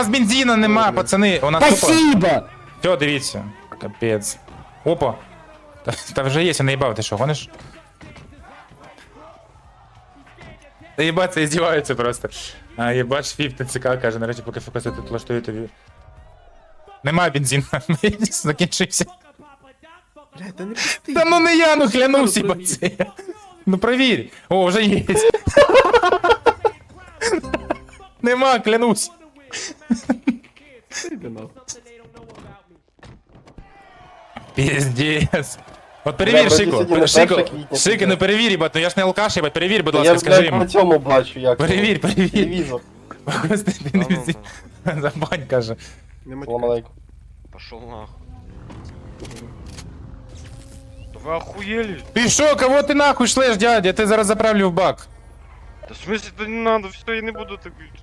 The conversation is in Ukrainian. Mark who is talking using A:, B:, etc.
A: нас бензина нема, пацани. У нас тупо...
B: Спасибо!
A: Все, дивіться. Капець. Опа. Та вже є, я наїбав, ти що, гониш? Та їбать, це іздіваються просто. А єбать, фіп ТЦК каже, нарешті поки ФКС тут влаштує тобі. Нема бензину, закінчився.
C: Блядь, та не пусти.
A: Та ну не я, ну клянусь, їбать це. Ну провір. О, вже є. Нема, клянусь.
C: Іди нахуй.
A: Піздец. От
D: Бля,
A: перевір,
D: вроді
A: Шико.
D: сьогодні не
A: Шико,
D: 1 квітня,
A: Шико, ну перевір, їбать, ну я ж не алкаш, їбать, перевір, будь ласка,
D: Я,
A: скажи
D: блядь,
A: йому.
D: по цьому бачу, як.
A: Перевір, перевір.
D: Телевізор.
A: Господи, не візі. Забань, каже.
C: Нема
D: Салам
C: чекати.
D: алейкум.
E: Пошел нахуй. Да вы охуели?
A: Ти що, кого ти нахуй шлеш, дядя? Я тебе зараз заправлю в бак.
E: Да в смысле, да не надо, все, я не буду так говорить.